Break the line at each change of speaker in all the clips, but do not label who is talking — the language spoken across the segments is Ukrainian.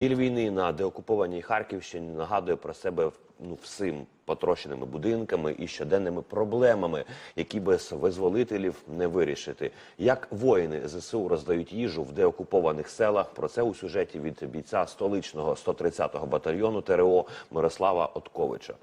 Біль війни на деокупованій Харківщині нагадує про себе всім потрощеними будинками і щоденними проблемами, які без визволителів не вирішити. Як воїни ЗСУ роздають їжу в деокупованих селах, про це у сюжеті від бійця столичного 130-го батальйону ТРО Мирослава Отковича.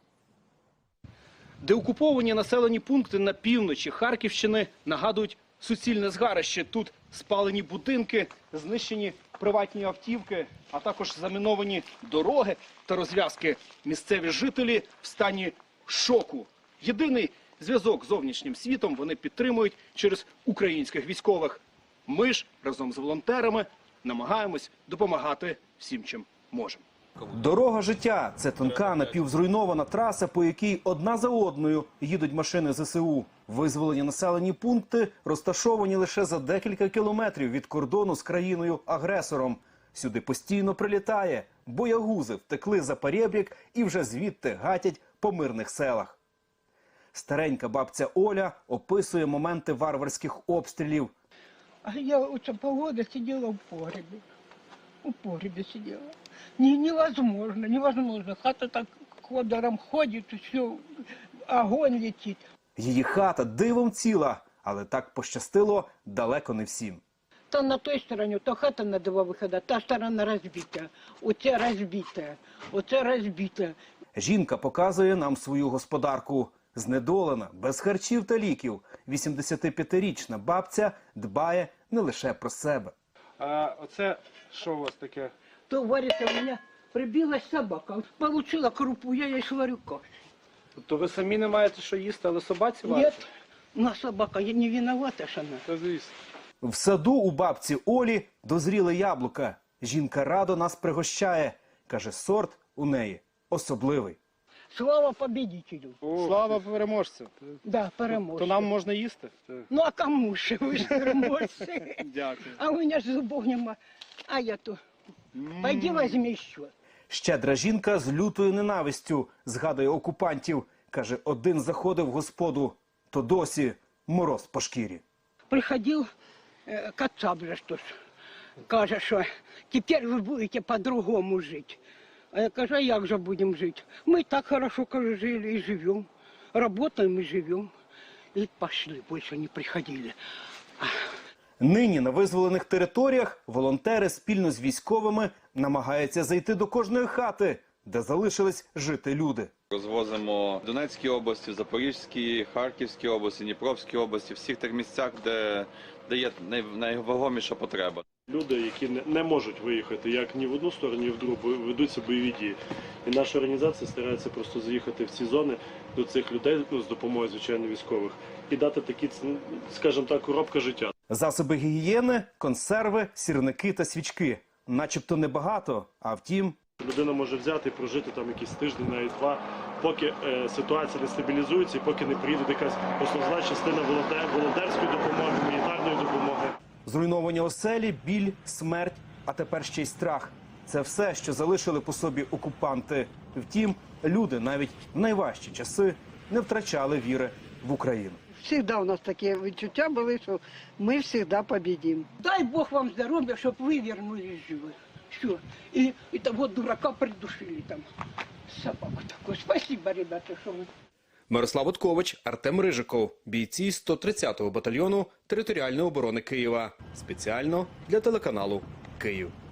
Деокуповані населені пункти на півночі Харківщини нагадують суцільне згарище. Тут спалені будинки, знищені приватні автівки, а також заміновані дороги та розв'язки. Місцеві жителі в стані шоку. Єдиний зв'язок з зовнішнім світом вони підтримують через українських військових. Ми ж разом з волонтерами намагаємось допомагати всім, чим можемо.
Дорога життя – це тонка напівзруйнована траса, по якій одна за одною їдуть машини ЗСУ. Визволені населені пункти розташовані лише за декілька кілометрів від кордону з країною-агресором. Сюди постійно прилітає. Боягузи втекли за перебрік і вже звідти гатять по мирних селах. Старенька бабця Оля описує моменти варварських обстрілів.
А я у цю погоду сиділа в погребі. У погребі сиділа. Невозможно. Хата так ходором ходить, все, огонь летить.
Її хата дивом ціла, але так пощастило далеко не всім.
То на той стороні, то хата на два виходи, та сторона розбита, оце розбита.
Жінка показує нам свою господарку. Знедолена, без харчів та ліків. 85-річна бабця дбає не лише про себе.
А оце що у вас таке?
То варится у меня прибилась собака, получила крупу, я ей сварю кашу.
Тобто ви самі не маєте що їсти, але собаці варите?
Нет, но собака, я не виновата, что она.
Та звісно.
В саду у бабці Олі дозріли яблука. Жінка радо нас пригощає. Каже, сорт у неї особливий.
Слава победителю.
Слава переможцю.
Да, переможцю.
То нам можна їсти?
Ну а кому ж, ви ж переможці.
Дякую.
А у меня ж зубов нема. А я то. Пойди возьми еще.
Щедра жінка з лютою ненавистю згадує окупантів. Каже, один заходив в господу, то досі мороз по шкірі.
Приходил Кацап же что ж. Каже, що тепер ви будете по-другому жити. А я кажу, а як же будемо жити? Ми так хорошо, каже, жили і живемо. Работаем и живем. И пошли, больше не приходили.
Нині на визволених територіях волонтери спільно з військовими намагаються зайти до кожної хати, де залишились жити люди.
Розвозимо в Донецькій області, в Запорізькій, Харківській області, Дніпровській області, всіх тих місцях, де є найвагоміша потреба.
Люди, які не можуть виїхати як ні в одну сторону, ні в другу, ведуться бойові дії. І наша організація старається просто заїхати в ці зони до цих людей, з допомогою, звичайно, військових, і дати такі, скажімо так, коробка життя.
Засоби гігієни, консерви, сірники та свічки. Начебто небагато, а втім...
Людина може взяти і прожити там якийсь тиждень, навіть два, поки ситуація не стабілізується і поки не приїде якась основна частина волонтерської допомоги, гуманітарної допомоги.
Зруйновані оселі, біль, смерть, а тепер ще й страх. Це все, що залишили по собі окупанти. Втім, люди навіть в найважчі часи не втрачали віри в Україну.
Всегда у нас такі відчуття були, що ми завжди победимо.
Дай Бог вам здоров'я, щоб ви вернулись живі. Все. И того дурака придушили там. Собаку такую. Спасибо, ребята, что вы...
Мирослав Откович, Артем Рижиков, бійці 130-го батальйону територіальної оборони Києва. Спеціально для телеканалу «Київ».